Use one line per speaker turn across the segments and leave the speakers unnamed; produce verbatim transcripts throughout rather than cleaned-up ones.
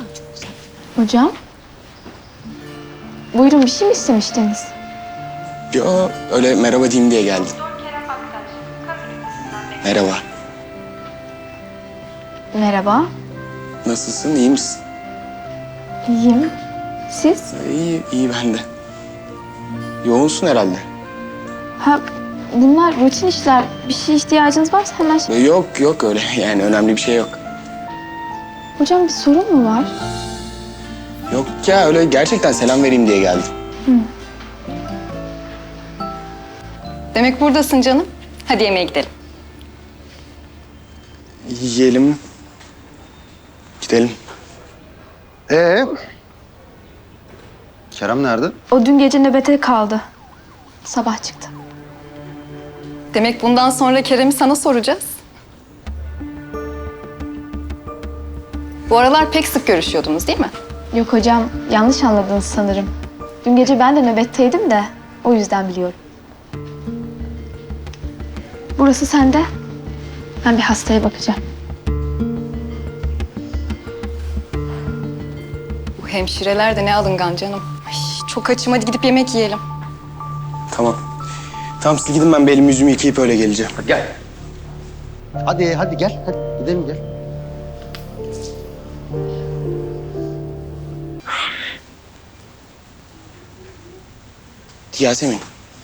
Hocam. Buyurun, bir şey mi istemiştiniz?
Yo, öyle merhaba diyeyim diye geldim. Merhaba.
Merhaba.
Nasılsın, iyi misin?
İyiyim. Siz?
İyi, iyi ben de. Yoğunsun herhalde.
Ha, bunlar rutin işler. Bir şey ihtiyacınız varsa hemen...
E, Yok, yok öyle. Yani önemli bir şey yok.
Hocam, bir sorun mu var?
Yok ya, öyle gerçekten selam vereyim diye geldim.
Demek buradasın canım. Hadi yemeğe gidelim.
Yiyelim. Gidelim.
Ee? Kerem nerede?
O dün gece nöbete kaldı. Sabah çıktı.
Demek bundan sonra Kerem'i sana soracağız. Bu aralar pek sık görüşüyordunuz değil mi?
Yok hocam, yanlış anladınız sanırım. Dün gece ben de nöbetteydim de o yüzden biliyorum. Burası sende. Ben bir hastaya bakacağım.
Bu hemşireler de ne alıngan canım. Ay, çok açım, hadi gidip yemek yiyelim.
Tamam. Tamam, siz gidin, ben bir elimi yüzümü yıkayıp öyle geleceğim.
Gel. Hadi hadi gel. Hadi gidelim gel.
Yasemin,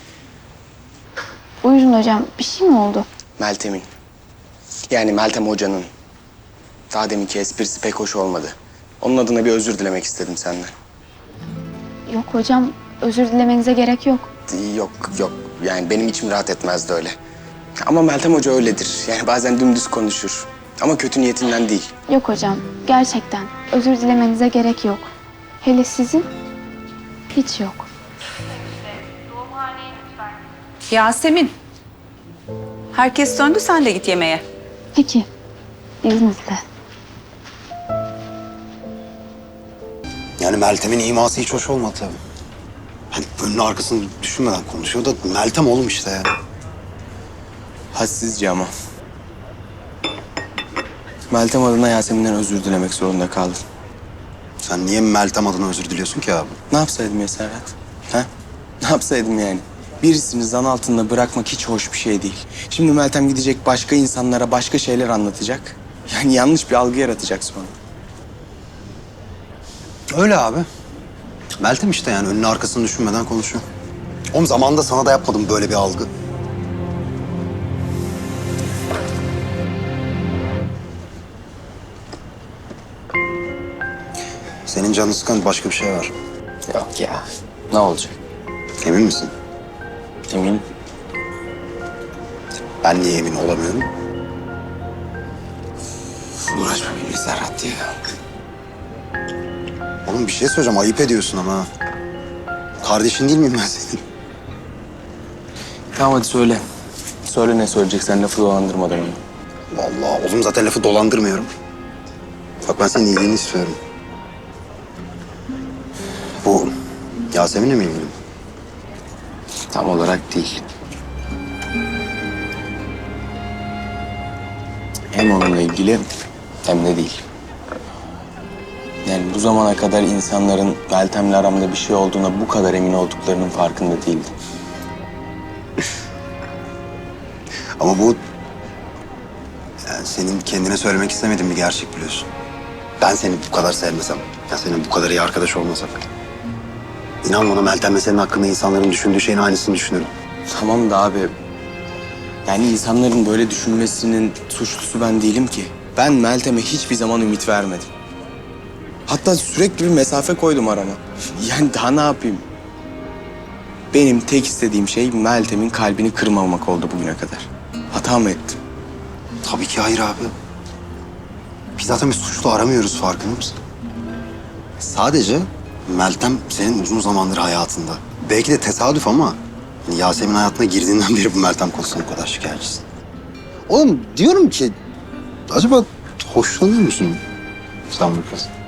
Buyurun hocam, bir şey mi oldu?
Meltem'in. Yani Meltem Hoca'nın. Daha deminki esprisi pek hoş olmadı. Onun adına bir özür dilemek istedim senden.
Yok hocam, özür dilemenize gerek yok.
Yok, yok. Yani benim içim rahat etmezdi öyle. Ama Meltem Hoca öyledir. Yani bazen dümdüz konuşur. Ama kötü niyetinden değil.
Yok hocam, gerçekten özür dilemenize gerek yok. Hele sizin hiç yok.
Yasemin. Herkes döndü, sen de git yemeğe.
Peki, izninizle.
Yani Meltem'in iması hiç hoş olmadı tabii. Hani önünü arkasını düşünmeden konuşuyor da Meltem oğlum işte ya.
Hadsizce ama. Meltem adına Yasemin'den özür dilemek zorunda kaldım.
Sen niye Meltem adına özür diliyorsun ki abi?
Ne yapsaydım ya Serhat? Ha? Ne yapsaydım yani? Birisini zan altında bırakmak hiç hoş bir şey değil. Şimdi Meltem gidecek, başka insanlara başka şeyler anlatacak. Yani yanlış bir algı yaratacak sonra.
Öyle abi. Meltem işte yani önünü arkasını düşünmeden konuşuyor. Oğlum zamanında sana da yapmadım böyle bir algı. Senin canını sıkan başka bir şey var.
Yok ya. Ne olacak?
Emin misin?
Emin.
Ben niye emin olamıyorum?
Uğraşma benimle Serhat ya.
Oğlum bir şey söyleyeceğim, ayıp ediyorsun ama. Kardeşin değil miyim ben senin?
Tamam hadi söyle. Söyle ne söyleyeceksen, lafı dolandırmadan onu.
Vallahi oğlum zaten lafı dolandırmıyorum. Bak ben senin iyiliğini istiyorum. Bu Yasemin'le mi ilgili?
Tam olarak değil. Hem onunla ilgili hem de değil. Yani bu zamana kadar insanların Meltem'le aramda bir şey olduğuna bu kadar emin olduklarının farkında değildim.
Ama bu yani senin kendine söylemek istemediğin bir gerçek biliyorsun. Ben seni bu kadar sevmesem, ya senin bu kadar iyi arkadaş olmasak. İnan bana Meltem'le senin hakkında insanların düşündüğü şeyin aynısını düşünürüm.
Tamam da abi, yani insanların böyle düşünmesinin suçlusu ben değilim ki. Ben Meltem'e hiçbir zaman ümit vermedim. Hatta sürekli bir mesafe koydum arama. Yani daha ne yapayım? Benim tek istediğim şey Meltem'in kalbini kırmamak oldu bugüne kadar. Hata mı ettim?
Tabii ki hayır abi. Biz zaten bir suçlu aramıyoruz, farkında mısın? Sadece Meltem senin uzun zamandır hayatında. Belki de tesadüf ama hani Yasemin hayatına girdiğinden beri bu Meltem konusunda bu kadar şikayetçisin. Oğlum diyorum ki acaba hoşlanıyor musun sen bu kız?